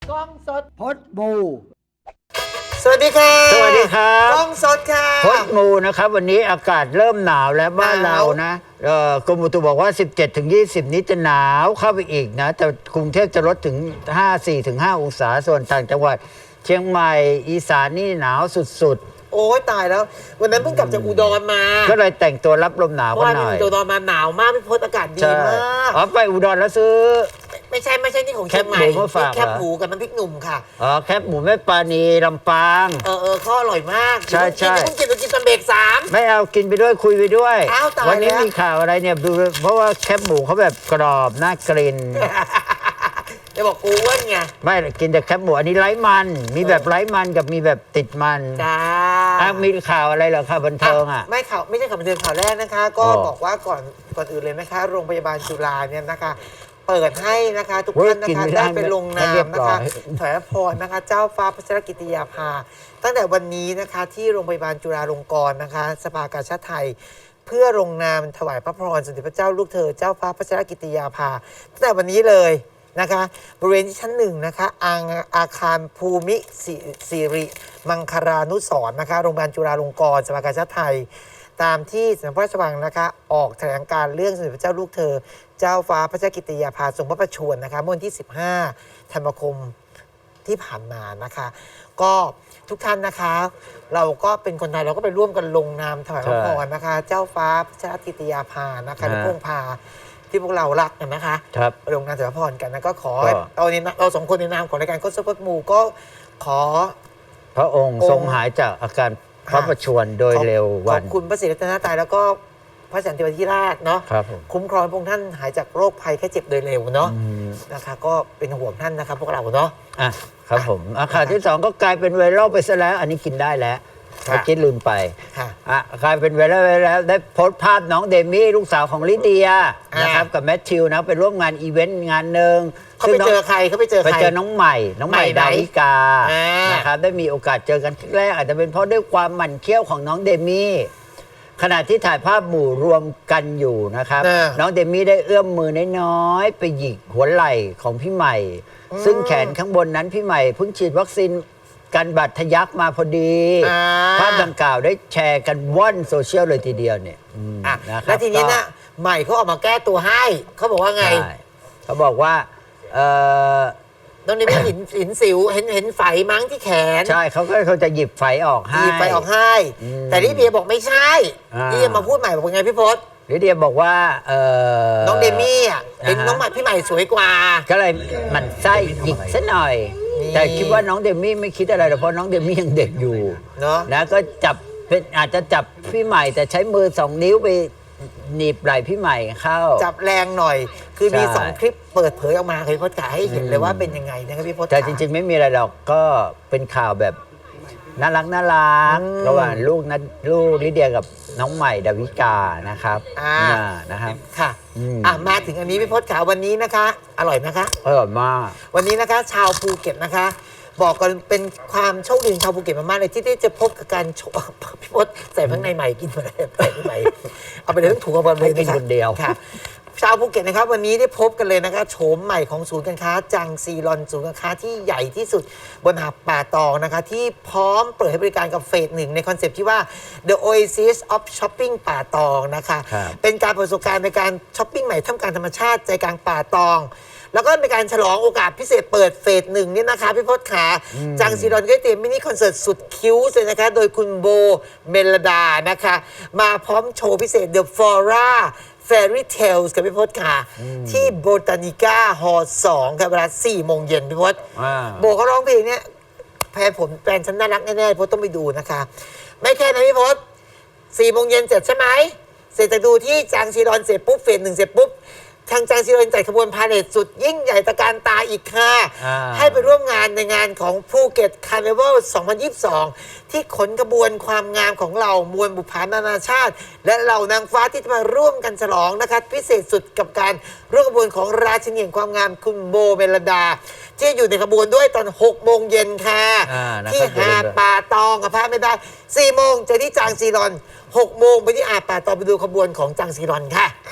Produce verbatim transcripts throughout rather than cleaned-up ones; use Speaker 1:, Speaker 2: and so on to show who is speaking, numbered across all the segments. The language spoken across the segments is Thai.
Speaker 1: กล้องสดพดบู
Speaker 2: สวัสดีค่ะ
Speaker 3: สวัสดีครับ
Speaker 2: กล้องสดค่ะ
Speaker 3: พดมูนะครับวันนี้อากาศเริ่มหนาวแล้วบ้านเรานะเอ่อกรมอุตุบอกว่า สิบเจ็ดถึงยี่สิบ นี้จะหนาวเข้าไปอีกนะแต่กรุงเทพจะลดถึง ห้าสิบสี่ถึงห้า องศาส่วนต่างจังหวัดเชียงใหม่อีสานนี่หนาวสุด
Speaker 2: โอ้ยตายแล้ววันนั้นเพิ่งกลับจากอุดรมา
Speaker 3: ๆก็เลยแต่งตัวรับลมหนาวกันหน่อย
Speaker 2: อุดรมาหนาวมากพี่พศอากาศดีมาก
Speaker 3: อ๋อไปอุดรแล้วซื้อ
Speaker 2: ไม่ใช่ไม่ใช่นี่ของเชียงใหม่แคบหมูกับน้ำพริกหนุ่มค่ะ
Speaker 3: อ๋อแคบหมูแม่ปานีลำปาง
Speaker 2: เออเออข้ออร่อยมาก
Speaker 3: ใช่ใช่
Speaker 2: กินกินกินตอนเบรกสาม
Speaker 3: ไม่เอากินไปด้วยคุยไปด้วย
Speaker 2: วั
Speaker 3: นนี้มีข่าวอะไรเนี่ยดูเพราะว่าแคบหมูเขาแบบกรอบน่ากลิ่น
Speaker 2: จะบอกกูอ้วนไง
Speaker 3: ไม่กินแต่แคบหมูอันนี้ไร้มันมีแบบไร้มันกับมีแบบติดมัน
Speaker 2: จ้า
Speaker 3: มีข่าวอะไรเหรอคะบันเทิงอ่ะ
Speaker 2: ไม่ข่าวไม่ใช่ข่าวบันเทิงข่าวแรกนะคะก็บอกว่าก่อนก่อนอื่นเลยนะคะโรงพยาบาลจุฬาเนี่ยนะคะเปิดให้นะคะทุกท่านนะคะได้ไปลงนามนะคะถวายพรนะคะเจ้าฟ้าพัชรกิติยาภาตั้งแต่วันนี้นะคะที่โรงพยาบาลจุฬาลงกรณ์นะคะสภากาชาดไทยเพื่อลงนามถวายพระพรสมเด็จพระเจ้าลูกเธอเจ้าฟ้าพัชรกิติยาภาตั้งแต่วันนี้เลยนะคะบริเวณที่ชั้นหนึ่งนะคะอาอาคารภูมิสิริมังคลานุสรณ์นะคะโรงพยาบาลจุฬาลงกรณ์สภากาชาดไทยตามที่สำนักพระราชวังนะคะออกแถลงการเรื่องสมเด็จพระเจ้าลูกเธอเจ้าฟ้าพระเจ้ากิติยาภาทรงพระประชวรนะคะเมื่อวันที่สิบห้าธันวาคมที่ผ่านมานะคะก็ทุกท่านนะคะเราก็เป็นคนไทยเราก็ไปร่วมกันลงนามถวายพระพรนะคะเจ้าฟ้าพระเจ้ากิติยาภานะคะหรือพระองค์พาที่พวกเรารักกันนะคะลงนามถวายพระพรกันนะก็ขอเราในเราสองคนในนามของรายการโคชพดมูก็ขอ
Speaker 3: พระองค์ทรงหายจากอาการพระประชวรโดยเร็ววัน
Speaker 2: ขอบคุณพระศรีรัตนตรัยแล้วก็พระสันติวาธิราชเนาะคุ้มครองพระองค์ท่านหายจากโรคภัยแค่เจ็บโดยเร็วเนาะนะคะก็เป็นห่วงท่านนะครับพวกเราเนาะ
Speaker 3: อ่ะครับผมอาคารที่สองก็กลายเป็นไวรัลไปซะแล้วอันนี้กินได้แล้วเมื่อกี้ลืมไปอ่ะกลายเป็นไวรัลไปแล้วได้โพสต์ภาพน้องเดมี่ลูกสาวของลิเดียนะครับกับแมทธิวนะไปร่วมงานอีเวนต์งานหนึ่ง
Speaker 2: เขาไปเจอใครเขาไปเจอใคร
Speaker 3: ไปเจอน้องใหม่น้องใหม่ดาวิกานะครับได้มีโอกาสเจอกันครั้งแรกอาจจะเป็นเพราะด้วยความหมั่นเคี้ยวของน้องเดมี่ขณะที่ถ่ายภาพหมู่รวมกันอยู่นะครับน้องเดมี่ได้เอื้อมมือน้อยๆไปหยิกหัวไหล่ของพี่ใหม่ซึ่งแขนข้างบนนั้นพี่ใหม่เพิ่งฉีดวัคซีนกันบาดทะยักมาพอดีภาพดังกล่าวได้แชร์กันว่อนโซเชียลเลยทีเดียวเนี่ย
Speaker 2: นะครับแล้วทีนี้นะใหม่เขาออกมาแก้ตัวให้เขาบอกว่าไง
Speaker 3: เขาบอกว่าเออ
Speaker 2: ตรงนี้มีหินหินสิวเห็นเห็นไฝมั้งที่แขน
Speaker 3: ใช่เขาก็เขาจะหยิบไฝออกให้
Speaker 2: หยิบไฝออกให้แต่ลิเดียบอกไม่ใช่ลิเดียมาพูดใหม่บอกไงพี่พศ
Speaker 3: ลิเดียบอกว่าเออ
Speaker 2: น้องเดมี่อ่ะเห็นน้องใหม่พี่ใหม่สวยกว่า
Speaker 3: ก็เลยมันไส้หยิกซะหน่อยแต่คิดว่าน้องเดมี่ไม่คิดอะไรหรอกเพราะน้องเดมี่ยังเด็กอยู่
Speaker 2: เนาะ
Speaker 3: นะก็จับเป็นอาจจะจับพี่ใหม่แต่ใช้มือสองนิ้วไปหนีบไหล่พี่ใหม่เข้า
Speaker 2: จับแรงหน่อยคือมีสองคลิปเปิดเผยออกมาเคยพจน์กาให้เห็นเลยว่าเป็นยังไงนะครับพี่พจน์
Speaker 3: แต่จริงๆไม่มีอะไรหรอกก็เป็นข่าวแบบน่ารักน่ารักระหว่างลูกนัดลูกลิเดียกับน้องใหม่ดาวิกานะครับ
Speaker 2: อ่า
Speaker 3: นะครับ
Speaker 2: ค่ะอ่ะมาถึงอันนี้พี่พจน์ขาวันนี้นะคะอร่อยนะคะ
Speaker 3: อร่อยมาก
Speaker 2: วันนี้นะคะชาวภูเก็ตนะคะบอกกันเป็นความโชคดีชาวภูเก็ตมากๆเลยที่ได้จะพบกับการพี่พจน์ใส่ข้างในใหม่กินมาเลยใส่ใหม่เอาไปเลยต้องถูกเอาไปเลย
Speaker 3: กินคนเดียว
Speaker 2: ค่ะชาวภูเก็ตนะครับวันนี้ได้พบกันเลยนะคะโฉมใหม่ของศูนย์การค้าจังซีรอนศูนย์การค้าที่ใหญ่ที่สุดบนหาดป่าตองนะคะที่พร้อมเปิดให้บริการกับเฟสหนึ่งในคอนเซปต์ที่ว่า The Oasis of Shopping ป่าตองนะคะเป็นการประสบการณ์ในการช้อปปิ้งใหม่ท่ามกลางธรรมชาติใจกลางป่าตองแล้วก็เป็นการฉลองโอกาสพิเศษเปิดเฟสหนึ่งนี่นะคะพี่พจน์ขาจังซีรอนก็เตรียมมินิคอนเสิร์ตสุดคิ้วเลยนะคะโดยคุณโบเมลดานะคะมาพร้อมโชว์พิเศษ The Flora Fairy Tales กับพี่พจน์ค่ะที่โบตานิก้าฮอลล์สองค่ะเวลาสี่โมงเย็นพี่พจน์โบเขาร้องเพลงเนี้ยแฟนผมแฟนฉันน่ารักแน่ๆพี่พจน์ต้องไปดูนะคะไม่แค่นั้นพี่พจน์สี่โมงเย็นเสร็จใช่ไหมเสร็จจากดูที่จังซีรอนเสร็จปุ๊บเฟสหนึ่งเสร็จปุ๊บทางจังซีรอนจัดขบวนพาเหรดสุดยิ่งใหญ่ตระการตาอีกค่ะให้ไปร่วมงานในงานของภูเก็ตคาร์นิวัลสองพันยี่สิบสองที่ขนกระบวนความงามของเรามวลบุพานานาชาติและเหล่านางฟ้าที่จะมาร่วมกันฉลองนะคะพิเศษสุดกับการร่วมกระบวนของราชินีแห่งความงามคุณโบเมลดาที่อยู่ในขบวนด้วยตอนหกโมงเย็นค่ะที่หาดป่าตองกับพระไม่ได้สี่โมงเจอที่จังซีรอนหกโมงไปที่หาดป่าตองไปดูขบวนของจังซีรอนค่ะ
Speaker 3: ครับ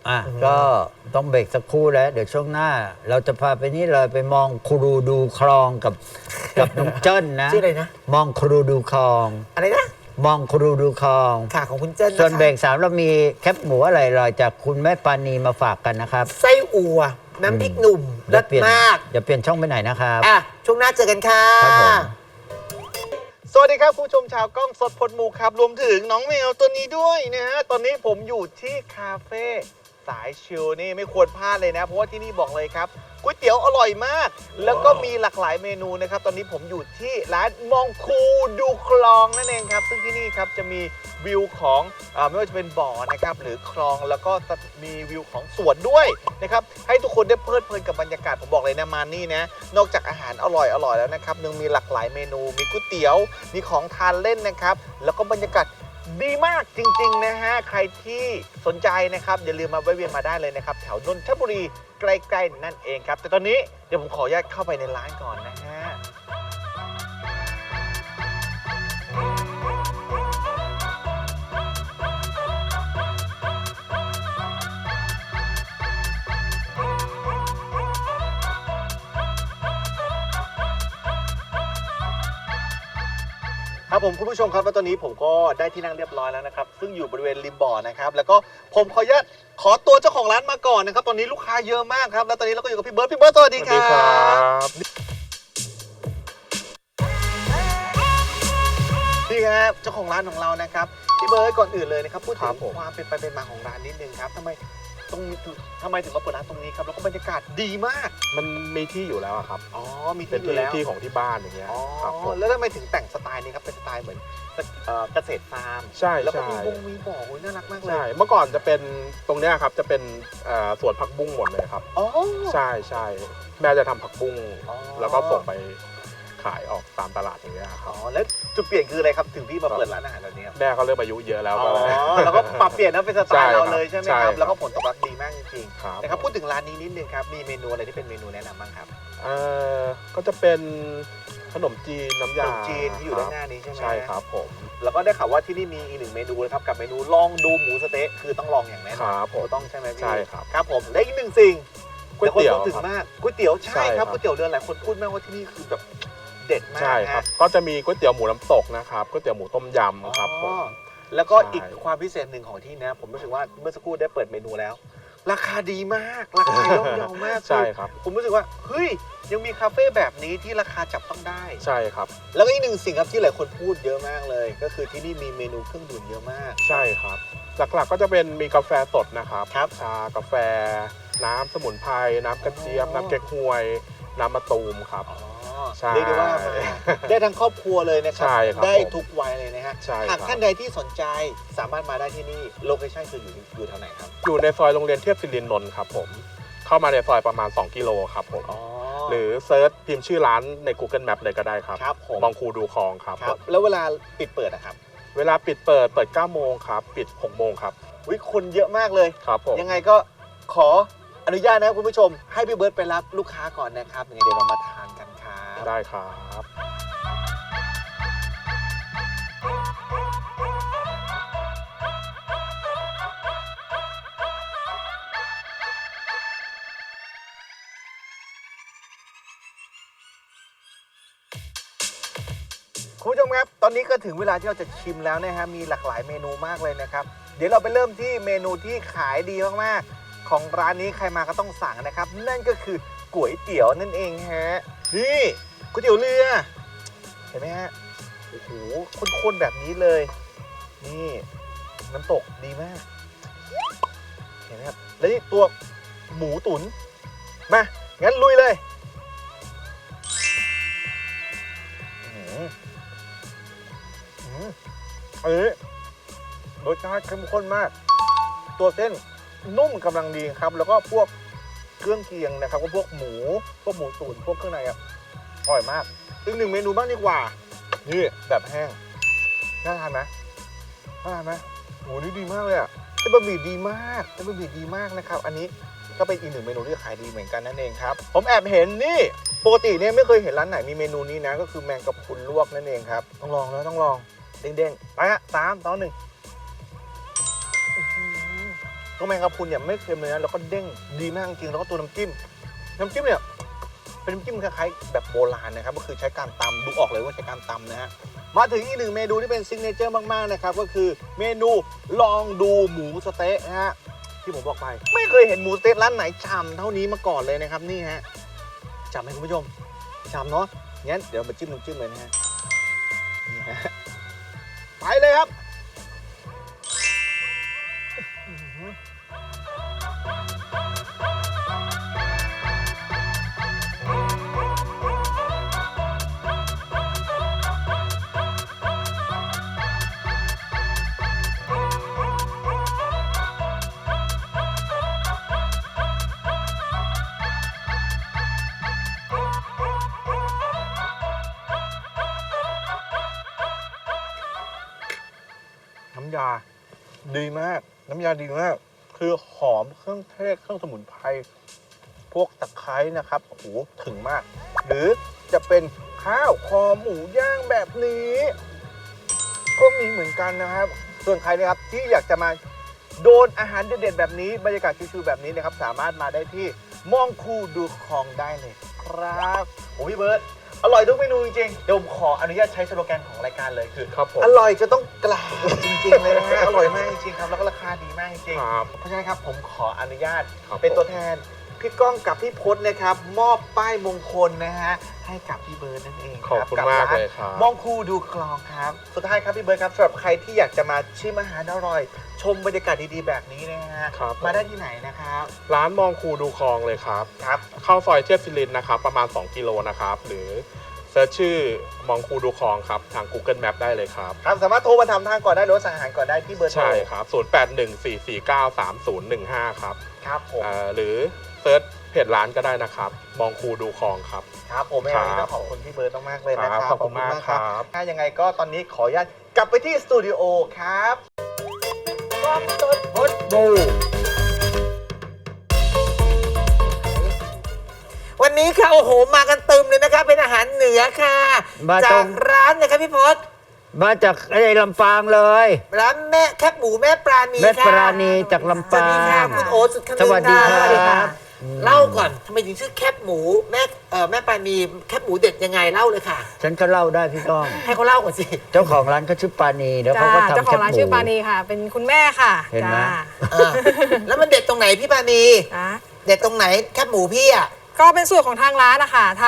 Speaker 3: อ่ะก็ต้องเบรกสักครู่แล้ว เดี๋ยวช่วงหน้า เราจะพาไปนี่เลยไปมองครูดูคลองกับกับน้องเจิ้นนะ
Speaker 2: ชื่ออะไรนะ
Speaker 3: มองครูดูคลอง
Speaker 2: อะไรนะ
Speaker 3: มองครูดูคลอง
Speaker 2: ค่ะของคุณเจิ้นนะคะ
Speaker 3: ส่วนเบรกสามเรามีแคปหมูอะไรลอยจากคุณแม่ปานีมาฝากกันนะครับ
Speaker 2: ไส้อั่วน้ำพริกหนุ่ม
Speaker 3: อย่
Speaker 2: เลิ
Speaker 3: า
Speaker 2: ศ
Speaker 3: เปลี่ยน
Speaker 2: มาก
Speaker 3: อย่าเปลี่ยนช่องไปไหนนะครับ
Speaker 2: อ่ะช่วงหน้าเจอกันค่ะ
Speaker 3: ครับผม
Speaker 1: สวัสดีครับคุณผู้ชมชาวกล้องสดพดหมูครับรวมถึงน้องแมวตัวนี้ด้วยนะฮะตอนนี้ผมอยู่ที่คาเฟ่สายชิลนี่ไม่ควรพลาดเลยนะเพราะว่าที่นี่บอกเลยครับก๋วยเตี๋ยวอร่อยมาก แล้วก็มีหลากหลายเมนูนะครับตอนนี้ผมอยู่ที่ร้านมองคูดูคลองนั่นเองครับซึ่งที่นี่ครับจะมีวิวของอ่าไม่ว่าจะเป็นบ่อนะครับหรือคลองแล้วก็มีวิวของสวนด้วยนะครับให้ทุกคนได้เพลิดเพลินกับบรรยากาศผมบอกเลยนะมานี่นะนอกจากอาหารอร่อยอร่อยแล้วนะครับยังมีหลากหลายเมนูมีก๋วยเตี๋ยวมีของทานเล่นนะครับแล้วก็บรรยากาศดีมากจริงๆนะฮะใครที่สนใจนะครับอย่าลืมมาแวะเวียนมาได้เลยนะครับแถวนนทบุรีใกล้ๆนั่นเองครับแต่ตอนนี้เดี๋ยวผมขออนุญาตเข้าไปในร้านก่อนนะฮะ ครับผมคุณผู้ชมครับแล้วตอนนี้ผมก็ได้ที่นั่งเรียบร้อยแล้วนะครับซึ่งอยู่บริเวณริมบ่อนะครับแล้วก็ผมขออนุญาตขอตัวเจ้าของร้านมาก่อนนะครับตอนนี้ลูกค้าเยอะมากครับแล้วตอนนี้เราก็อยู่กับพี่เบิร์ดพี่เบิร์ดสวัสดีครับนี่ครับเจ้าของร้านของเรานะครับพี่เบิร์ดก่อนอื่นเลยนะครับพูดถึงความเป็นไปเป็นมาของร้านนิดนึงครับทำไมตรงนี้ทำไมถึงมาเปิดร้านตรงนี้ครับแล้วก็บรรยากาศดีมาก
Speaker 4: มันมีที่อยู่แล้วอะครับ
Speaker 1: อ๋อมี
Speaker 4: เป็น
Speaker 1: ที่อยู่
Speaker 4: ที่
Speaker 1: แล้ว
Speaker 4: ที่ของที่บ้านอย่างเงี้ย
Speaker 1: อ๋อ
Speaker 4: ครับผม
Speaker 1: แล้วทำไมถึงแต่งสไตล์นี้ครับเป็นสไตล์เหมือนเอ่อเกษตรฟาร์ม
Speaker 4: ใช่
Speaker 1: แล้วก็
Speaker 4: ใช่
Speaker 1: มีบงมีบ่อโอ้ยน่ารักมากเลย
Speaker 4: ใช่เมื่อก่อนจะเป็นตรงเนี้ยครับจะเป็นเอ่อสวนผักบุ้งหมดเลยครับ
Speaker 1: อ๋อ
Speaker 4: ใช่ใช่แม่จะทำผักบุ้ง
Speaker 1: อ๋อ
Speaker 4: แล้วก็ส่งไปขายออกตามตลาดอย่างเงี้ยค
Speaker 1: อ๋
Speaker 4: รั
Speaker 1: อบ แล้วจุดเปลี่ยนคืออะไรครับถึงพี่มาเปิดร้านอาหารแบบนี้ครับ
Speaker 4: แม่ก็เริ่มอายุเยอะแล้ว
Speaker 1: อ๋
Speaker 4: ก็
Speaker 1: อ
Speaker 4: เลย
Speaker 1: แล้วก็ปรับเปลี่ยนนะเป็นสไตล์เราเลยใช่ไหม
Speaker 4: ใช่
Speaker 1: ค
Speaker 4: ครั
Speaker 1: รับบ แล้วก็ผลตอบรับดีมากจริง
Speaker 4: ครับ
Speaker 1: ๆนะครับพูดถึงร้านนี้นิดนึงครับมีเมนูอะไรที่เป็นเมนูแนะนำบ้างครับ
Speaker 4: เอ่อก็จะเป็นขนมจีนน้ำ
Speaker 1: ข
Speaker 4: ยาน
Speaker 1: มจีนที่อยู่ด้านหน้านี้ใช่ไหม
Speaker 4: ใช่ครับผม
Speaker 1: แล้วก็ได้ข่าวว่าที่นี่มีอีกหนึ่งเมนูนะครับกับเมนูลองดูหมูสะเต๊ะคือต้องลองอย่างแน่น
Speaker 4: ค
Speaker 1: อน
Speaker 4: รับผม
Speaker 1: ต้องใช่ไหมพี่
Speaker 4: ใช่ครับ
Speaker 1: ครับผมและอีกหนึ่งสิ่ง
Speaker 4: ก๋วยเตี๋ยว
Speaker 1: แต่คนพูดถึง
Speaker 4: ครับ
Speaker 1: มากก๋วยเตี๋ยวใช่
Speaker 4: ใช่
Speaker 1: ค
Speaker 4: ครั
Speaker 1: รับบ ก๋วยเตี๋ยวเรือหลายคนพูดมากว่าที่นี่คือแบบเด็ดมาก
Speaker 4: ใช่ครับ
Speaker 1: ฮะ
Speaker 4: ก็จะมีก๋วยเตี๋ยวหมูน้ำตกนะครับก๋วยเตี๋ยวหมูต้มยำครับผม
Speaker 1: อ๋อแล้วก็
Speaker 4: ใช่
Speaker 1: อีกความพิเศษหนึ่งของที่นะ ผมรู้สึกว่าเมื่อสักครู่ได้เปิดเมนูแล้ว ราคาดีมาก ราคาย่อมเยามาก
Speaker 4: ใช่ครับ
Speaker 1: ผมรู้สึกว่าเฮ้ยยังมีคาเฟ่แบบนี้ที่ราคาจับต้องได้
Speaker 4: ใช่ครับ
Speaker 1: แล้วก็อีกหนึ่งสิ่งครับที่หลายคนพูดเยอะมากเลย ก็คือที่นี่มีเมนูเครื่องดื่มเยอะมาก
Speaker 4: ใช่ครับ หลักๆก็จะเป็นมีกาแฟสดนะครับ
Speaker 1: ครับ
Speaker 4: ชากาแฟ น้ำสมุนไพรน้ำกระเจี๊ยบ
Speaker 1: อ๋อ
Speaker 4: น้ำเก๊กฮวย น้ำมะตูมครับ
Speaker 1: อ๋อ
Speaker 4: ใช่
Speaker 1: เรียกได้ว่ามาได้ทั้งครอบครัวเลยนะครั
Speaker 4: ใช่ครับ
Speaker 1: ได้
Speaker 4: ผม
Speaker 1: ทุกวัยเลยนะฮะ
Speaker 4: ใช่ครับ
Speaker 1: หากท่านใดที่สนใจสามารถมาได้ที่นี่โลเคชั่นคืออยู่อยู่แถวไหนครับ
Speaker 4: อยู่ในซอยโรงเรียนเทียบสิรินนนท์ครับผม เข้ามาในซอยประมาณ สอง กิโลครับผม
Speaker 1: อ๋อ
Speaker 4: หรือเซิร์ชพิมพ์ชื่อร้านใน Google Map เลยก็ได้ครับ
Speaker 1: ครับผม
Speaker 4: มองคูดูคลองครับ
Speaker 1: ครับแล้วเวลาปิดเปิดอะครับ
Speaker 4: เวลาปิดเปิดเปิด เก้า โมงครับ ปิด หก โมงครับ
Speaker 1: วิคนเยอะมากเลย
Speaker 4: ครับผม
Speaker 1: ยังไงก็ขออนุญาตนะครับคุณผู้ชม ให้พี่เบิร์ตไปรับลูกค้าก่อนนะครับยังไงเดี๋ยวเรามาทานกันครับ
Speaker 4: ได้ครับ
Speaker 1: คุณผู้ชมครับ ตอนนี้ก็ถึงเวลาที่เราจะชิมแล้วนะฮะมีหลากหลายเมนูมากเลยนะครับ เดี๋ยวเราไปเริ่มที่เมนูที่ขายดีมากๆของร้านนี้ใครมาก็ต้องสั่งนะครับ นั่นก็คือก๋วยเตี๋ยวนั่นเองฮะนี่ก๋วยเตี๋ยวเรือเห็นไหมฮะโอ้โหข้นๆแบบนี้เลย นี่น้ำตกดีมาก เห็นไหมครับ แล้วนี่ตัวหมูตุ๋นมา งั้นลุยเลยอื้อหืออื้อหืออันนี้รสชาติเข้มข้นมาก ตัวเส้นนุ่มกำลังดีครับ แล้วก็พวกเครื่องเคียงนะครับก็พวกหมู พวกหมูตุ๋นพวกเครื่องในอ่ะอร่อยมาก อีกหนึ่งเมนูบ้างดีกว่า นี่แบบแห้ง น่าทานไหมน่าทานไหมโหนี่ดีมากเลยอ่ะเส้นบะหมี่ดีมากเส้นบะหมี่ดีมากนะครับ อันนี้ก็เป็นอีกหนึ่งเมนูที่ขายดีเหมือนกันนั่นเองครับ ผมแอบเห็นนี่ ปกติเนี่ยไม่เคยเห็นร้านไหนมีเมนูนี้นะ ก็คือแมงกะพรุนลวกนั่นเองครับ ต้องลองแล้วต้องลอง เด้งๆ ไปฮะสามสองหนึ่งอื้อหือก็แมงกะพรุนเนี่ยไม่เค็มเลยนะแล้วก็เด้งดีมากจริงแล้วก็ตัวน้ำจิ้มน้ำจิ้มเนี่ยเป็นน้ำจิ้มคล้ายๆแบบโบราณนะครับก็คือใช้การตำดูออกเลยว่าใช้การตำนะฮะมาถึงอีกหนึ่งเมนูที่เป็นซิกเนเจอร์มากๆนะครับก็คือเมนูลองดูหมูสะเต๊ะนะฮะที่ผมบอกไปไม่เคยเห็นหมูสะเต๊ะร้านไหนฉ่ำเท่านี้มาก่อนเลยนะครับนี่ฮะฉ่ำไหมคุณผู้ชมฉ่ำเนาะงั้นเดี๋ยวมาจิ้มน้ำจิ้มเลยนะฮะนี่ฮะไปเลยครับน้ำยาดีมากน้ำยาดีมากคือหอมเครื่องเทศเครื่องสมุนไพรพวกตะไคร้นะครับโอ้โหถึงมาก หรือจะเป็นข้าวคอหมูย่างแบบนี้ก็มีเหมือนกันนะครับ ส่วนใครนะครับที่อยากจะมาโดนอาหารเด็ดๆแบบนี้บรรยากาศชิวๆแบบนี้นะครับสามารถมาได้ที่มองคูดูคลองได้เลยครับโอ้พี่เบิร์ตอร่อยทุกเมนูจริงๆเดี๋ยวผมขออนุญาตใช้สโลแกนของรายการเลยคือ
Speaker 4: ครับผม
Speaker 1: อร่อยจะต้องกล่าวจริงๆเลยนะฮะ อร่อยมากจริงๆครับแล้วก็ราคาดีมากจริง
Speaker 4: ครับ
Speaker 1: ๆเพราะฉะนั้นครับผมขออนุญาต
Speaker 4: ครับ
Speaker 1: เป็นตัว
Speaker 4: ผม
Speaker 1: แทนพี่ก้องกับพี่พจน์นะครับมอบป้ายมงคลนะฮะให้กับพี่เบิร์ดนั่นเอง
Speaker 4: ขอบคุณ
Speaker 1: กั
Speaker 4: มาก
Speaker 1: ร้น
Speaker 4: เลยครับ
Speaker 1: มองคูดูคลองครับสุดท้ายครับพี่เบิร์ดครับสำหรับใครที่อยากจะมาชิมอาหารอร่อย ชมบรรยากาศดีๆแบบนี้นะฮะ
Speaker 4: ครับ
Speaker 1: มาได้ที่ไหนนะครับ
Speaker 4: ร้านมองคูดูคลองเลยครับ
Speaker 1: ครับ
Speaker 4: เข้าซอยเทียบซิลินนะครับประมาณ สอง กิโลนะครับ หรือเซิร์ชชื่อมองคูดูคลองครับ ทาง Google Map ได้เลยครับ
Speaker 1: ครับสามารถโทรมาทำทางก่อนได้หรือว่าสั่งอาหารก่อนได้ที่เบอร์โทร
Speaker 4: ใช่ครับ ศูนย์ แปด หนึ่ง สี่ สี่ เก้า สาม ศูนย์ หนึ่ง ห้า ครับ
Speaker 1: ครับผม
Speaker 4: เอ่อหรือเซิร์ชเพจร้านก็ได้นะครับ มองคูดูคลองครับ
Speaker 1: ครับผมไม่
Speaker 4: ครั
Speaker 1: เอา
Speaker 4: บ
Speaker 1: ต้องขอบคุณพี่เบิร์ดมากๆเลยนะครับ
Speaker 4: ขอบคุณมากครับ
Speaker 1: ถ้ายังไงก็ตอนนี้ขออนุญาตกลับไปที่สตูดิโอครับกล้องสด
Speaker 3: พดบู
Speaker 2: วันนี้ค่ะโอ้โหมากันเติมเลยนะคะเป็นอาหารเหนือค่ะ
Speaker 3: มาตร
Speaker 2: จาก
Speaker 3: ง
Speaker 2: ร้านนะครับพี่พศ
Speaker 3: มาจากไอ้ลำปางเลย
Speaker 2: ร้านแม่แคบหมูแม่ปราณี
Speaker 3: แม่
Speaker 2: ค่ะ
Speaker 3: ปราณีจากลำ
Speaker 2: สวัส
Speaker 3: ปา
Speaker 2: ดีค่ะ
Speaker 3: ง
Speaker 2: คุณโอสุดคำนึง
Speaker 3: สวัสดี
Speaker 2: ค่ะ
Speaker 3: ครับ
Speaker 2: เล่าก่อนทำไมถึงชื่อแคบหมูแม่เอ่อแม่ปราณีแคบหมูเด็ดยังไงเล่าเลยค่ะ
Speaker 3: ฉันก็เล่าได้พี่ก้อง
Speaker 2: ให้เขาเล่าก่อนสิ
Speaker 3: เจ้าของร้านเขาชื่อปานีแล้ว
Speaker 5: จ้า
Speaker 3: เขาก็ทำ
Speaker 5: เจ้าของร้าน
Speaker 3: แคบหมู
Speaker 5: ชื่อปานีค่ะ เป็นคุณแม่ค่ะ
Speaker 3: เห็นไหม
Speaker 5: จ้า
Speaker 2: เออแล้วมันเด็ดตรงไหนพี่ปราณี
Speaker 5: จ้า
Speaker 2: เด็ดตรงไหนแคบหมูพี่อะ
Speaker 5: ก็เป็นสูตรของทางร้านนะคะท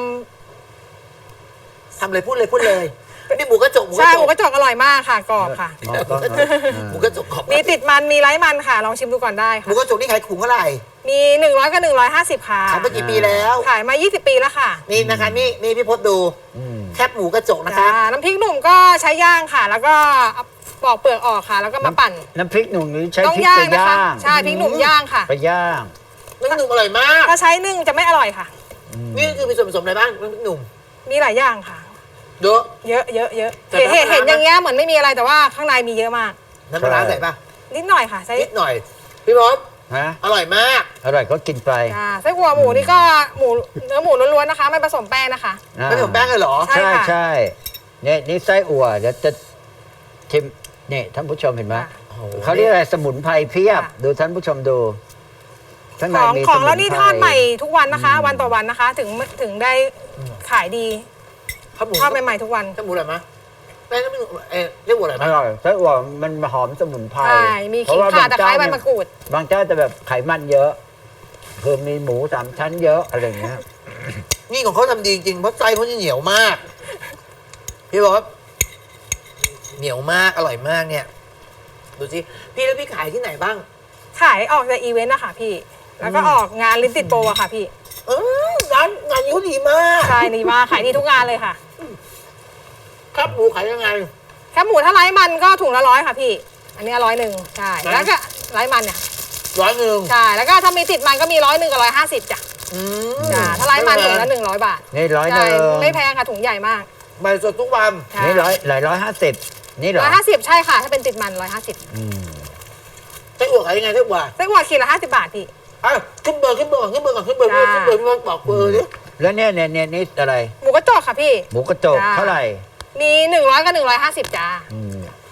Speaker 2: ทำเลยพูดเลยพูดเลยนี่หมูกระจกหมู
Speaker 5: ำ
Speaker 2: ก
Speaker 5: ใช่
Speaker 2: ระจ
Speaker 5: หมู
Speaker 2: ก
Speaker 5: กระจกอร่อยมากค่ะกรอบค่ะ
Speaker 3: อ๋อก็
Speaker 2: หมูกระจกขอบ
Speaker 5: มีติดมันมีไร้มันค่ะ ลองชิมดูก่อนได้
Speaker 2: หมู
Speaker 5: ค่ะ
Speaker 2: กระจกนี่ขายถุงเท่าไหร่
Speaker 5: มีหนึ่งร้อยกับหนึ่งร้อยห้าสิบค่ะ
Speaker 2: ขายมากี่ปีแล้ว
Speaker 5: ขายมายี่สิบปีแล้วค่ะ
Speaker 2: นี่นะคะนี่นี่พี่พศดู
Speaker 3: อืม
Speaker 2: แคบหมูกระจกนะคะ
Speaker 5: จ้าน้ำพริกหนุ่มก็ใช้ย่างค่ะ แล้วก็เอาปอกเปลือกออกค่ะ แล้วก็มาปั่น
Speaker 3: น้ำพริกหนุ่มนี้ใช้
Speaker 5: ต้อง
Speaker 3: พริก
Speaker 5: ย่า
Speaker 3: ไป
Speaker 5: งนะคะ
Speaker 3: ย่าง
Speaker 5: ใช่พริกหนุ่มย่างค่ะ
Speaker 3: ไปย่าง
Speaker 2: น้ำหนุ่มอร่อยมาก
Speaker 5: ถ้าใช้นึ่งจะไม่อร่อยค่ะ
Speaker 2: นี่คือมีส่วนผสมอะไรบ้างน้ำหนุ่ม
Speaker 5: มีหลายอย่างค่ะ
Speaker 2: เยอะ
Speaker 5: เยอะเยอะเยอะ
Speaker 2: แต่
Speaker 5: เห็นเห็น
Speaker 2: น้ำปลาร้า
Speaker 5: เห็นอย่างเงี้ยเหมือนไม่มีอะไรแต่ว่าข้างในมีเยอะมาก
Speaker 2: น้ำปลาร้าใส่ปะ
Speaker 5: นิดหน่อยค่ะใช้
Speaker 2: นิดหน่อย พี่พศ
Speaker 3: ฮะ
Speaker 2: อร่อยมาก
Speaker 3: อร่อยก็กินไป
Speaker 5: จ้าไส้อั่วหมูนี่ก็หมูเนื้อหมูล้วนๆนะคะ ไม่ผสมแป้งนะคะ
Speaker 3: อ่า
Speaker 2: ไม่ผสมแป้งเลยเหรอ
Speaker 5: ใช่
Speaker 3: ใช่
Speaker 5: ค่ะ
Speaker 3: ใช่เนี่ยนี่ไส้อั่วเดี๋ยวจะชิมนี่ท่านผู้ชมเห็นไหม
Speaker 2: โอ้โห
Speaker 3: เขาเรียกอะไรสมุนไพรเพียบ ดูท่านผู้ชมดูข้างใน
Speaker 5: ของ
Speaker 3: มี
Speaker 5: ของ
Speaker 3: สมุ
Speaker 5: เรา
Speaker 3: น
Speaker 5: นี่
Speaker 3: ไพร
Speaker 5: ทอดใหม่ทุกวันนะคะ วันต่อวันนะคะ ถึงถึงได้ขายดี
Speaker 2: ข้าวหมู
Speaker 5: ทอดใหม่ๆทุกวัน
Speaker 2: ข้าวหมูอร่อยไหมแป้งน้ำหนุ่มเอ๊ะเรียกว่าอร่อยไหม
Speaker 3: อร่อยไส้อั่วมันหอมสมุนไพร
Speaker 5: ใช่ มี
Speaker 3: เพราะ
Speaker 5: ขิง
Speaker 3: ว่า
Speaker 5: ข่า
Speaker 3: บาง
Speaker 5: ตะไคร้
Speaker 3: เจ้า
Speaker 5: ใบ
Speaker 3: เนี่ย
Speaker 5: มะกรูด
Speaker 3: บางเจ้าจะแบบไขมันเยอะคือมีหมูสามชั้นเยอะอะไรอย่างเงี้ย
Speaker 2: นี่ของเขาทำดีจริงเพราะไส้เขาจะเหนียวมาก พี่บอกว่าเหนียวมากอร่อยมากเนี่ย ดูสิพี่แล้วพี่ขายที่ไหนบ้าง
Speaker 5: ขายออกจากอีเวนต์นะคะพี่ แล้วก็ออกงานลิ้นติดโปรอะค่ะพี่
Speaker 2: เออร้านงานนี้เขาดีมาก
Speaker 5: ใช่ดีมากขายดีทุกงานเลยค่ะ
Speaker 2: ครับหมูขายยังไง
Speaker 5: แค่หมูถ้าไร้มันก็ถุงละร้อยค่ะพี่ อันนี้ร้อยหนึ่งใช่
Speaker 2: นะ
Speaker 5: แล้วก็ไร้มันเนี่ย
Speaker 2: ร้อยหนึ่ง
Speaker 5: ใช่ แล้วก็ถ้ามีติดมันก็มีร้อยหนึ่งกับร้อยห้าสิบจ้ะ
Speaker 2: อืม
Speaker 5: จ้ะถ้าไร้มันถุงละหนึ่งร้อยบาท
Speaker 3: นี่ร้อยห
Speaker 5: ใช่
Speaker 3: นึ่ง
Speaker 5: ไม่แพงค่ะถุงใหญ่มาก
Speaker 2: ใบสดทุกวัน
Speaker 5: ใช่
Speaker 3: นี่ร้อยหลายร้อยห้าสิบนี่เหรอ
Speaker 5: ร้อยห้าสิบใช่ค่ะ ถ้าเป็นติดมันร้อยห้าสิบ
Speaker 3: อืม
Speaker 2: ไส้อั่วขายยังไงไส้อั่ว
Speaker 5: ไส้อั่วขีดละห้าสิบบาทพี่
Speaker 2: อ่ะขึ้นเบอร์ขึ้นเบอร์ก่อนขึ้นเบอร์ก่อนขึ้นเบอร์
Speaker 5: จ้า
Speaker 2: ขึ้นเบอร์พี่บอกเบอร์ดิ
Speaker 3: แล้วเนี่ยเนี่ยเนี่ยนี่อะไร
Speaker 5: หมูกระจอกค่ะพี่
Speaker 3: หมูกระจก
Speaker 5: จ้า
Speaker 3: เท่าไหร่
Speaker 5: มีหนึ่งร้อยกับหนึ่งร้อยห้าสิบจ้า
Speaker 3: อืมอ่ะ
Speaker 2: อืม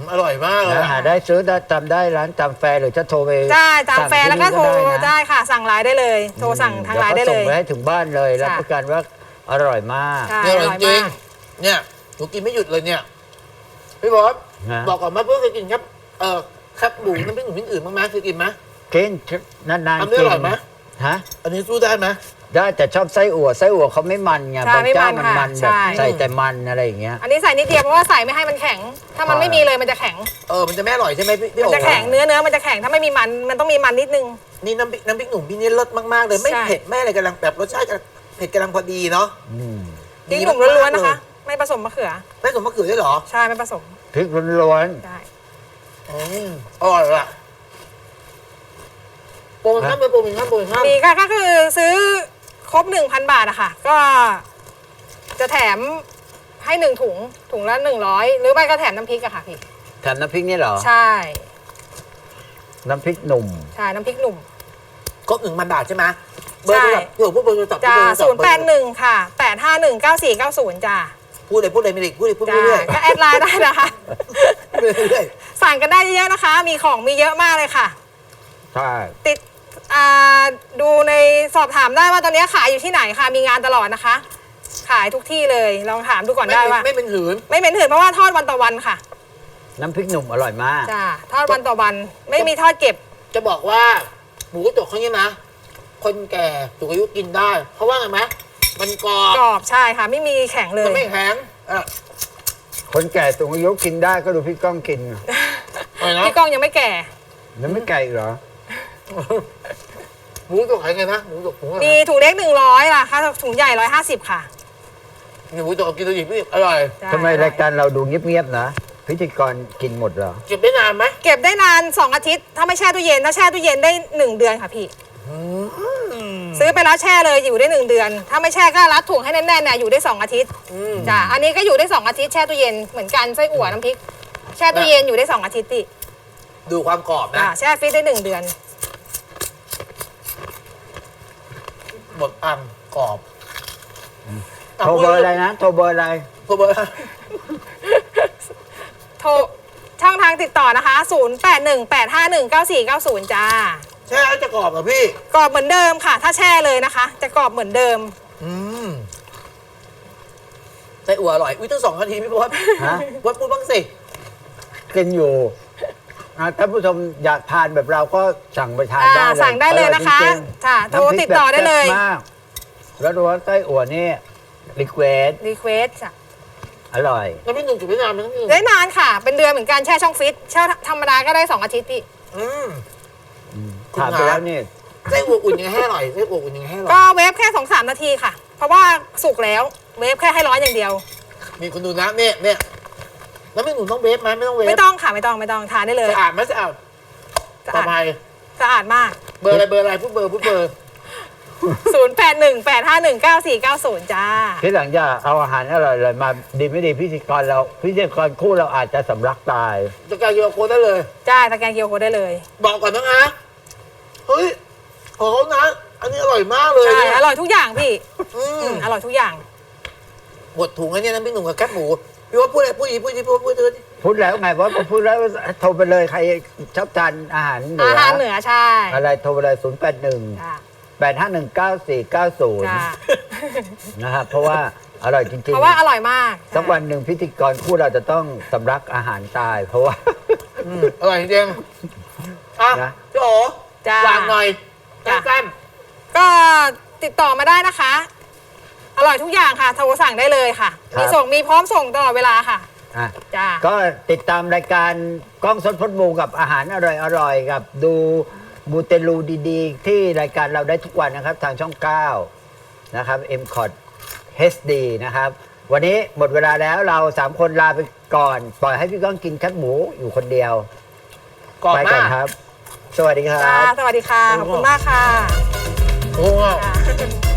Speaker 2: อร่อยมากเลย
Speaker 3: นะหาได้ซื้อได้ตามได้ร้านตามแฟร์หรือจะโทรไป
Speaker 5: ได้ตามแฟร์แล้วก็โทร
Speaker 3: สั่งที่นี่
Speaker 5: ได้ค่ะ สั่งไลน์ได้เลย โทรสั่งทางไลน์ได้
Speaker 3: แว
Speaker 5: เล
Speaker 3: ก็ส่ง
Speaker 5: ย
Speaker 3: ไปให้ถึงบ้านเลยรับ
Speaker 5: ค่ะ
Speaker 3: ประกันว่าอร่อยมาก
Speaker 5: ใช่
Speaker 2: เนี่ย
Speaker 5: อ
Speaker 2: อร่อย
Speaker 5: ร่อย
Speaker 2: จริง
Speaker 5: มาก
Speaker 2: เนี่ยหนูกินไม่หยุดเลยเนี่ยพี่บอส
Speaker 3: ฮะ
Speaker 2: บอกก่อนว่าเพื่อนเคยกินครับเออครับหมูน้ำพริกหนุ่มพริกอื่นบ้างไหมเคยกินไหม
Speaker 3: กินนานๆ
Speaker 2: อันนี้
Speaker 3: กิ
Speaker 2: อร่อยไหม
Speaker 3: ฮะ
Speaker 2: อันนี้สู้ได้ไหม
Speaker 3: ได้แต่ชอบไส้อั่วไส้อั่วเขาไม่มันไง
Speaker 5: ใช่
Speaker 3: บางเจ้า
Speaker 5: ไม่
Speaker 3: มัน
Speaker 5: มัน
Speaker 3: มัน
Speaker 5: ค่ะ
Speaker 3: แบบ
Speaker 5: ใช่
Speaker 3: ใส่แต่มันอะไรอย่างเงี้ย
Speaker 5: อันนี้ใส่นิดเดียวเพราะว่าใส่ไม่ให้มันแข็ง ถ้ามัน
Speaker 3: ใช่
Speaker 5: ไม่มีเลยมันจะแข็ง
Speaker 2: เออมันจะไม่อร่อยใช่ไหมพี่พี่
Speaker 5: มัน
Speaker 2: โอ๋
Speaker 5: จะแข็งเนื้อเนื้อมันจะแข็งถ้าไม่มีมันมันต้องมีมันนิดนึง
Speaker 2: นี่น้ำพริกน้ำพริกหนุ่มพี่นี่รสมากๆเลยไม่
Speaker 5: ใช่
Speaker 2: เผ็ดไม่อะไรกำลังแบบรสชาติกำลังเผ็ดกำลังพอดีเนาะ
Speaker 3: อืม
Speaker 5: พริกหนุ่มล้วนๆนะคะ ไม่ผสมมะเขือ
Speaker 2: ไม่สมมะเขือด้วยเหรอ
Speaker 5: ใช่ไม่ผสม
Speaker 3: พริกล้วน
Speaker 5: ได้
Speaker 2: อืมอร่อยละโปรโมชั่นเป็นโปรโมชั่นโปรโมชั่น
Speaker 5: มีก็ก็คือซื้อครบหนึ่งพันบาทอะค่ะ ก็จะแถมให้หนึ่งถุงถุงละหนึ่งร้อยหรือไม่ก็แถมน้ำพริกอะค่ะพี่
Speaker 3: ๆแถมน้ำพริกนี่เหรอ
Speaker 5: ใช่
Speaker 3: น้ำพริกหนุ่ม
Speaker 5: ใช่น้ำพริกหนุ่ม
Speaker 2: ครบหนึ่งพันบาทใช่ไหมเบอร์โทรศัพท์พี่โอ๋พูดเบอร์โทรศัพท์
Speaker 5: จ้า
Speaker 2: พูดเบอร์โทรศัพ
Speaker 5: ศู
Speaker 2: ท์
Speaker 5: นย์แปดหนึ่งค่ะแปดห้าหนึ่งเก้าสี่เก้าศูนย์จ้า
Speaker 2: พูดเลยพูดเลยไม่ได้พูดเลยพูด
Speaker 5: จ้า
Speaker 2: เรื่อย
Speaker 5: ก็แอดไลน์ได้นะคะ
Speaker 2: ๆพูดเรื่อย
Speaker 5: สั่งกันได้เยอะๆนะคะ มีของมีเยอะมากเลยค่ะ
Speaker 3: ใช่
Speaker 5: ติดอ่าดูในสอบถามได้ว่าตอนนี้ขายอยู่ที่ไหนค่ะ มีงานตลอดนะคะ ขายทุกที่เลยลองถามดูก่อน
Speaker 2: ๆไม่
Speaker 5: ได้
Speaker 2: เป็น
Speaker 5: ว่า
Speaker 2: ไม่เป็นหืน
Speaker 5: ไม่เป็นถืนเพราะว่าทอดวันต่อวันค่ะ
Speaker 3: น้ำพริกหนุ่มอร่อยมาก
Speaker 5: จ้าทอดวันต่อวัน ไม่มีทอดเก็บ
Speaker 2: จะบอกว่าหมูกระจกเขาเนี่ยนะ คนแก่สูงอายุกินได้ เพราะว่าไงไหมมันกรอบ
Speaker 5: กรอบใช่ค่ะ ไม่มีแข็งเล
Speaker 2: มัน
Speaker 5: ย
Speaker 2: ไม่แข็งอ่ะ
Speaker 3: คนแก่สูงอายุกินได้ก็ดูพี่ก้องกิน
Speaker 2: อะไรนะ
Speaker 5: พี่ก้องยังไม่แก่
Speaker 3: แล้วไม่ไกลอีกเหรอ
Speaker 2: หมูกระจกขายไงนะหมูกระจกหมูอะไร
Speaker 5: มี
Speaker 2: นะ
Speaker 5: ถุงเล็กหนึ่งร้อยล่ะค่ะถุงใหญ่ร้อยห้าสิบค่ะ
Speaker 2: หมูกระจกกินตัวอีกพี่อร่อย
Speaker 5: ใช่
Speaker 3: ทำไมรายการเราดูเงียบๆนะ พิธีกรกินหมดเหรอ
Speaker 2: เก็บได้นานไหม
Speaker 5: เก็บได้นานสองอาทิตย์ ถ้าไม่แช่ตู้เย็น ถ้าแช่ตู้เย็นได้หนึ่งเดือนค่ะพี่ ซื้อไปแล้วแช่เลยอยู่ได้หนึ่งเดือน ถ้าไม่แช่ก็รัดถุงให้แน่นๆเนี่ยอยู่ได้สองอาทิตย์
Speaker 2: อืม
Speaker 5: จ้ะอันนี้ก็อยู่ได้สองอาทิตย์แช่ตู้เย็นเหมือนกันไส้อั่วน้ำพริก แช่ตู้เย็นอยู่ได้สองอาทิตย์ติ
Speaker 2: ดูความกรอบนะ
Speaker 5: จ้ะแช่ฟรีซได้หนึ่งเดือน
Speaker 2: หมดอังกรอบ
Speaker 3: โทรเบอร์อะไรนะ โทรเบอร์อะไร
Speaker 2: โทรเบอร์
Speaker 5: โทรช่องทางติดต่อนะคะศูนย์ แปด หนึ่ง แปด ห้า หนึ่ง เก้า สี่ เก้า ศูนย์จ้า
Speaker 2: แช่แล้วจะกรอบเหรอพี่
Speaker 5: กรอบเหมือนเดิมค่ะ ถ้าแช่เลยนะคะ จะกรอบเหมือนเดิม
Speaker 2: อืมไส้อั่วอร่อย อุ้ยตั้งสองนาทีพี่พศ
Speaker 3: ฮะ
Speaker 2: วัดพูดบ้างสิ
Speaker 3: กินอยู่อ่ะท่านผู้ชมอยากทานแบบเราก็สั่งไปทาน
Speaker 5: อ่า
Speaker 3: ได้เลย
Speaker 5: สั่งได้เลยนะคะ
Speaker 3: อร่อยจริงๆ
Speaker 5: ค่ะโทร
Speaker 3: น้ำพก
Speaker 5: ติดต่อได้เลย
Speaker 3: แบบแซ่บมากแล้วดูว่าไส้อั่วนี่รีเควส
Speaker 5: รีเควสจ้ะ
Speaker 3: อร่อย
Speaker 2: แล้วพี่หนุ่มจุดเวียดนามมันต้องพี่หนุ่ม
Speaker 5: ได้นานค่ะ เป็นเดือนเหมือนกันแช่ช่องฟิตแช่ธรรมดาก็ได้สองอาทิตย์พี่
Speaker 2: อืม
Speaker 3: ถามไปแล้วนี่
Speaker 2: ไส้อั่วอุ่นยังไงให้อร่อยไส้อั่วอุ่นยังไงให้อร่อย
Speaker 5: ก็เวฟแค่สองสามนาทีค่ะ เพราะว่าสุกแล้วเวฟแค่ให้ร้อนอย่างเดียว
Speaker 2: มีคนดูนะเนี่ยเนี่ยแล้วพี่หนุ่มต้องเวฟไหมไม่ต้องเวฟ
Speaker 5: ไม่ต้องค่ะไม่ต้องไม่ต้องทานได้เลย
Speaker 2: สะอาดไหมสะอาด
Speaker 5: สะ
Speaker 2: ปลอ
Speaker 5: อา
Speaker 2: ด
Speaker 5: ด
Speaker 2: ภัย
Speaker 5: สะอาดมาก
Speaker 2: เบอร์อะไรเบอร์อะไรพูดเบอร์พูดเบอร์
Speaker 5: ศูนย์ แปด หนึ่ง แปด ห้า หนึ่ง เก้า สี่ เก้า ศูนย์จ้า
Speaker 3: ที่หลังจะเอาอาหารอร่อยๆมาดีไม่ดีพิธีกรเราพิธีกรคู่เราอาจจะสำลักตาย
Speaker 2: จะการยูโรโค้ดได้เลย
Speaker 5: จ้าตะแกรงเกียวโคได้เลย
Speaker 2: บอกก่อนนะนะเฮ้ยของเขานะ อันนี้อร่อยมากเลย
Speaker 5: ใช่
Speaker 2: เนี่ย
Speaker 5: อร่อยทุกอย่างพี่
Speaker 2: อื
Speaker 5: อื
Speaker 2: ม
Speaker 5: มอร่อยทุกอย่าง
Speaker 2: หมดถุงไอ้เนี่ยนะพี่หนุ่มกับแคบหมูพี่ว่าพูดอะไรพูดอีกพูดอีกพูดพูดพูด
Speaker 3: พูดแล้วไงว่าพูดแล้วโทรไปเลยใครชอบทานอาหารเหนื
Speaker 5: อา
Speaker 3: อ
Speaker 5: หารเหนือใช่
Speaker 3: อะไรโทรไปเลยศูนย์แปดหนึ่ง
Speaker 5: จ้า
Speaker 3: แปดห้าหนึ่งเก้าสี่เก้าศูนย์
Speaker 5: จ้า
Speaker 3: นะครับเพราะว่าอร่อยจริง
Speaker 5: เพราะว่าอร่อยมาก
Speaker 3: สักวันหนึ่งพิธีกรคู่เราจะต้องสำลักอาหารตาย เพราะว่า
Speaker 2: อืมอร่อยจริงๆอ่ะ
Speaker 3: นะ
Speaker 2: พี่โอ๋
Speaker 5: จ้า
Speaker 2: วางหน่อย
Speaker 5: จ้ะ
Speaker 2: สั้น
Speaker 5: ก็ติดต่อมาได้นะคะ อร่อยทุกอย่างค่ะโทรสั่งได้เลยค่ะ มีส่งมีพร้อมส่งตลอดเวลาค่ะ
Speaker 3: อ่ะ
Speaker 5: จ้า
Speaker 3: ก็ติดตามรายการกล้องสดพดมูกับอาหารอร่อยๆกับดูมูเตลูดีๆ ที่รายการเราได้ทุกวันนะครับ ทางช่องเก้านะครับ เอ็ม คอ ที เอช ดี นะครับ วันนี้หมดเวลาแล้วเราสามคนลาไปก่อน ปล่อยให้พี่ก้องกินแคบหมูอยู่คนเดียว
Speaker 2: ๆกรอบ
Speaker 3: ไปก่อ
Speaker 2: มาน ก
Speaker 3: ครับ สวัสดีครั
Speaker 5: จ้า
Speaker 3: บ
Speaker 5: สวัสดีค่ะ ขอบคุณมากค่ะ
Speaker 2: โอ้โห
Speaker 5: จ้า